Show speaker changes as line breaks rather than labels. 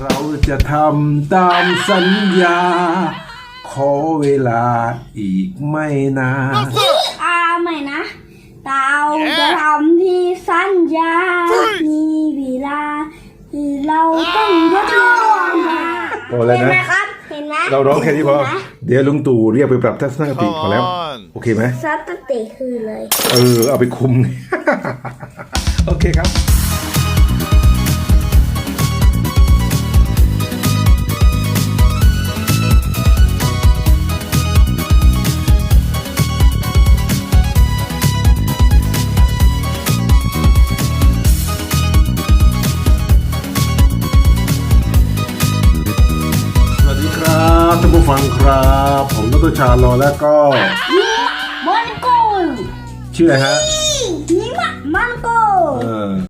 เราจะทำตามสัญญา ขอเวลาอีกไม่นาน
ใหม่นะเราจะทำที่สัญญา มีเวลาที่เราต้องทดลองมา
พอแล้ว
เห็นไหม
นะ
ครับ เห็นไหม
เราร้องแค่นี้พอ เดี๋ยวลุงตู่เรียกไปปรับทัศนคติพอแล้ว โอเคไหม
ซัดตติคือเลย
เอาไปคุม โอเคครับ สวัสดีครับท่านผู้ฟังครับ ผมดรชาลอแล้วก็
มันโก
ชื่ออะไรฮะ
นี่มันโก